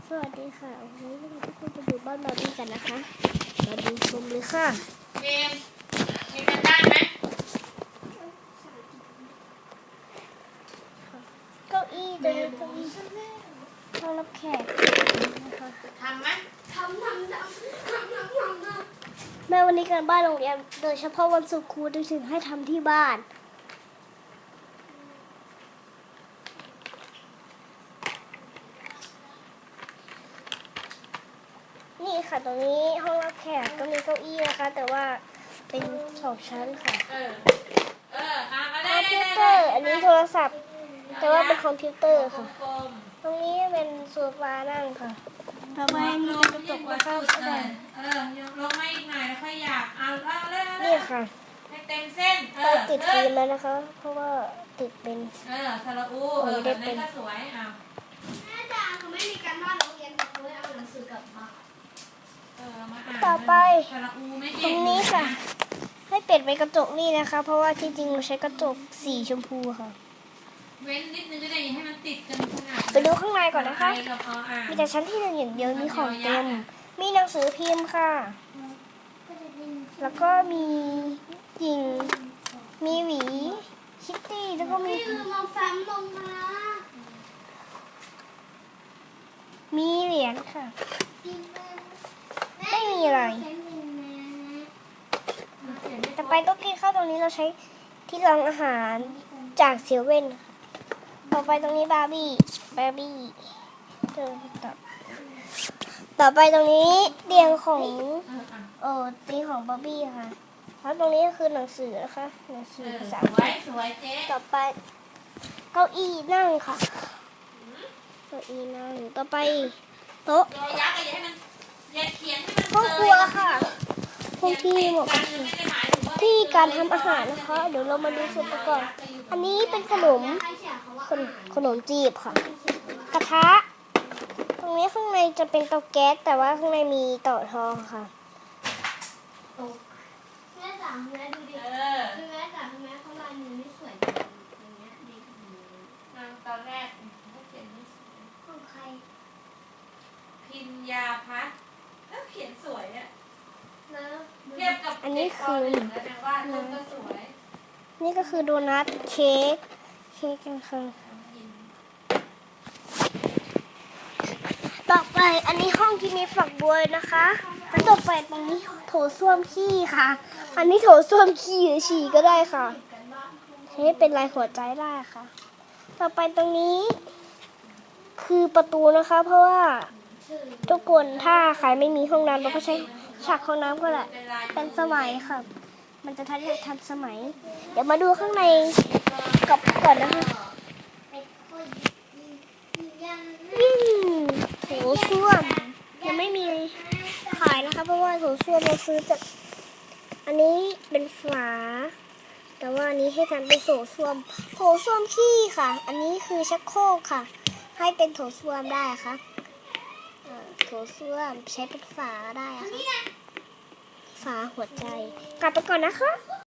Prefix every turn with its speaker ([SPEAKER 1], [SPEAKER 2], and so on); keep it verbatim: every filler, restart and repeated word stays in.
[SPEAKER 1] สวัสดีค่ะวันนี้เราทุกคนจะดูบ้านบาร์บี้กันนะคะมาดูชมเลยค่ะ
[SPEAKER 2] เกมมีกันได้ไหม
[SPEAKER 1] เก้าอี้เดินเก้าอี้ห้องรับแขกนะคะ
[SPEAKER 2] ทำไหม
[SPEAKER 3] ทำทำทำทำทำทำทำ
[SPEAKER 1] แม่วันนี้การบ้านโรงเรียนโดยเฉพาะวันศุกร์ครูจะถึงให้ทำที่บ้านนี่ค่ะตรงนี้ห้องรับแขกก็มีเก้าอี้นะคะแต่ว่าเป็นสองชั้นค่ะ
[SPEAKER 2] เออเอออ่ะมา
[SPEAKER 1] ค
[SPEAKER 2] ได้
[SPEAKER 1] อม
[SPEAKER 2] ได้
[SPEAKER 1] พิว
[SPEAKER 2] ได้
[SPEAKER 1] เตอร์อันนี้โทรศัพท์ แต่ว่าเป็นคอมพิวเตอร์ค่ะ
[SPEAKER 2] กลม
[SPEAKER 1] ตรงนี้เป็นโซฟานั่งค่ะต่อไปมีกระจกนะคะ
[SPEAKER 2] เออเออยกลงมาอีกหน่อยแล้วค่อยอยากเอาเอาเร็ว
[SPEAKER 1] นี่ค่ะ
[SPEAKER 2] ให้เต็มเส้นเอ
[SPEAKER 1] เรา
[SPEAKER 2] อ
[SPEAKER 1] ติดฟิล์มแล้วนะคะ เพราะว่าติดเป็น
[SPEAKER 2] เออสระอูเออแบบนี้ก็สวยเอา
[SPEAKER 3] แม่จ๋าเขาไม่มีการบ้านโรงเรียนแต่เขาเอาหนังสือกลับมา
[SPEAKER 2] เออมาอ่าน
[SPEAKER 1] ต่อไป
[SPEAKER 2] สระอูไม่
[SPEAKER 1] ต
[SPEAKER 2] เก่
[SPEAKER 1] รง งนี้ค่ะ ให้เปลี่ยนเป็นกระจกนี่นะคะ เพราะว่าที่จริงเราใช้กระจกสีชมพูค่ะ
[SPEAKER 2] เว้นนิดนึงก็ได้ให้มันติดกันขนาด
[SPEAKER 1] ไปดูข้างในก่อนนะคะ
[SPEAKER 2] เราพออ่าน
[SPEAKER 1] มีแต่ชั้นที่หนึ่งอย่างเดียวมีของเต็ม มีหนังสือพิมพ์ค่ะ แล้วก็มีหญิง มีหวี คิตตี้ แล้วก็มี
[SPEAKER 3] พี่ลืมเอาแฟ้มลงมา
[SPEAKER 1] มีเหรียญค่ะ
[SPEAKER 3] พี่แม่
[SPEAKER 1] ไม่มีอะไร
[SPEAKER 3] แฟ้มลงมา
[SPEAKER 1] ต่อไปโต๊ะกินข้าวตรงนี้เราใช้ที่รองอาหารจากเซเว่นค่ะต่อไปตรงนี้บาร์บี้บาร์บี้เจอต่อต่อไปตรงนี้เตียงของ
[SPEAKER 2] เอออ่ะ
[SPEAKER 1] เออเตียงของบาร์บี้ค่ะแล้วตรงนี้ก็คือหนังสือนะคะหนังสื
[SPEAKER 2] เอ
[SPEAKER 1] อ
[SPEAKER 2] อ
[SPEAKER 1] ภา
[SPEAKER 2] ส
[SPEAKER 1] ษา
[SPEAKER 2] ว
[SPEAKER 1] อังกฤ
[SPEAKER 2] ย
[SPEAKER 1] ษ
[SPEAKER 2] สวยเจ๊
[SPEAKER 1] ต่อไปเก้าอี้นั่งค่ะเก้าอี้นั่งต่อไปโต๊ะ
[SPEAKER 2] ตัวยักษ์ก็อย่าให้มันอย่าเขียนให้มัน
[SPEAKER 1] ห้องครัวค่ะห้องที่เหมาะ
[SPEAKER 2] กั
[SPEAKER 1] กับ
[SPEAKER 2] นไม่ได้หมายถึงว่า
[SPEAKER 1] ที่การทำอาหารนะคะ เดี๋ยวเรามาดูส่วนประกอบอันนี้เป็นขนม
[SPEAKER 3] ใครเขียนเขาว่า
[SPEAKER 1] ขนขนมจีบค่ะ กระทะ ตรงนี้ข้างในจะเป็นเตาแก๊สแต่ว่าข้างในมีเต่อทองค่ะ
[SPEAKER 3] แม่จ๋าแม่ดูดิ
[SPEAKER 2] เออ
[SPEAKER 3] คือแม่จ๋าทำไมเขาลายมือไม่สวยอย่างเงี้ยเด็กหนู
[SPEAKER 2] นางตอนแรกเขาเขียนไม่สวย
[SPEAKER 3] ของใคร
[SPEAKER 2] พิญญาพัฒน์แล้วเขียนสวยอะ
[SPEAKER 3] นะ
[SPEAKER 2] เทียบกับ
[SPEAKER 1] อันนี้คือ
[SPEAKER 2] เด็กปหนึ่งแล้วนะว่าต้นก็สวย
[SPEAKER 1] นี่ก็คือโดนัทเค้กเค้กกันค่ะ
[SPEAKER 2] กิน
[SPEAKER 1] ต่อไปอันนี้ห้องที่มีฝักบัวนะคะแล้วต่อไปตรงนี้โถส้วมขี้ค่ะ อันนี้โถส้วมขี้หรือฉี่ก็ได้ค่ะใช้เป็นลายหัวใจได้ค่ะ ต่อไปตรงนี้ คือประตูนะคะ เพราะว่าทุกคนถ้าใครไม่มีห้องน้ำเราก็ใช้ฉากห้องน้ำก็แหละ
[SPEAKER 2] เป็นลาย
[SPEAKER 1] เป็นสมัยค่ะ มันจะทันทันสมัย เดี๋ยวมาดูข้างในกับก่อนนะคะ
[SPEAKER 3] ยัง
[SPEAKER 1] ยิ่งโถส้วมยังไม่มีขายนะคะ เพราะว่าโถส้วมเราซื้อจากอันนี้เป็นฝา แต่ว่าอันนี้ให้ทำเป็นโถส้วมโถส้วมขี้ค่ะ อันนี้คือชักโครกค่ะ ให้เป็นโถส้วมได้ค่ะเอ่อโถส้วมใช้เป็นฝาได้ค่ะฝาหัวใจ กลับไปก่อนนะคะ